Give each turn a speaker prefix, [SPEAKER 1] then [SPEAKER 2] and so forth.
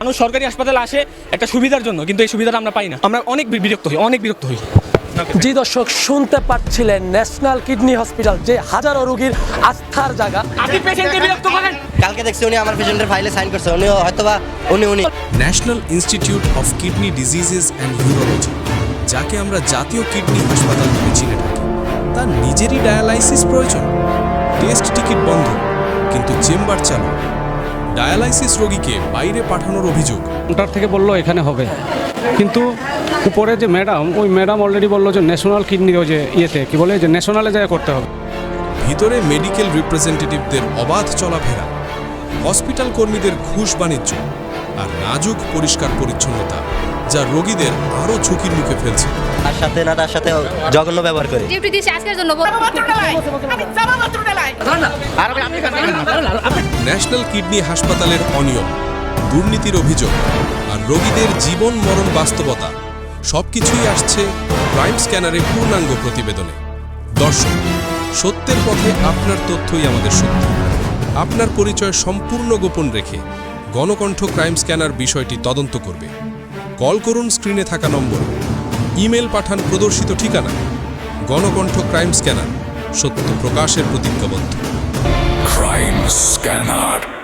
[SPEAKER 1] মানুষ সরকারি হাসপাতালে আসে একটা সুবিধার জন্য, কিন্তু এই সুবিধাটা আমরা পাই না। আমরা অনেক বিরক্ত হই।
[SPEAKER 2] জি দর্শক, শুনতে পাচ্ছিলেন ন্যাশনাল কিডনি হসপিটাল যে হাজারো রোগীর আস্থার জায়গা।
[SPEAKER 1] আপনি পেশেন্টকে বিরক্ত করেন।
[SPEAKER 3] কালকে দেখছি উনি আমার পেশেন্টের ফাইলে সাইন করছে, উনি হয়তোবা উনি
[SPEAKER 4] National Institute of Kidney Diseases and Urology, যাকে আমরা জাতীয় কিডনি হাসপাতাল নামে চিনে থাকি, তার নিজেরই ডায়ালাইসিস প্রয়োজন। টেস্ট টিকিট বন্ধ, কিন্তু চেম্বার চালু। ডায়ালাইসিস রোগীকে বাইরে পাঠানোর অভিযোগ।
[SPEAKER 5] কাউন্টার থেকে বললো এখানে হবে, কিন্তু উপরে যে ম্যাডাম, ওই ম্যাডাম অলরেডি বললো যে ন্যাশনাল কিডনি ওই যে ইয়েতে কি বলে যে ন্যাশনালে যায় করতে হবে।
[SPEAKER 4] ভিতরে মেডিকেল রিপ্রেজেন্টেটিভদের অবাধ চলাফেরা, হসপিটাল কর্মীদের ঘুষ বাণিজ্য আর নাজুক পরিষ্কার পরিচ্ছন্নতা, যা রোগীদের আরও ঝুঁকির মুখে ফেলছে।
[SPEAKER 3] তার সাথে জঘন্য ব্যবহার করে।
[SPEAKER 6] ডিউটি দিয়েছি আজকের জন্য।
[SPEAKER 4] ন্যাশনাল কিডনি হাসপাতালের অনিয়ম, দুর্নীতির অভিযোগ আর রোগীদের জীবন মরণ বাস্তবতা সবকিছুই আসছে ক্রাইম স্ক্যানারের পূর্ণাঙ্গ প্রতিবেদনে। দর্শক, সত্যের পথে আপনার তথ্যই আমাদের শক্তি। আপনার পরিচয় সম্পূর্ণ গোপন রেখে গণকণ্ঠ ক্রাইম স্ক্যানার বিষয়টি তদন্ত করবে। কল করুন স্ক্রিনে থাকা নম্বরে, ইমেল পাঠান প্রদর্শিত ঠিকানা। গণকণ্ঠ ক্রাইম স্ক্যানার, সত্য প্রকাশের প্রতিজ্ঞাবদ্ধ।
[SPEAKER 7] Crime Scanner.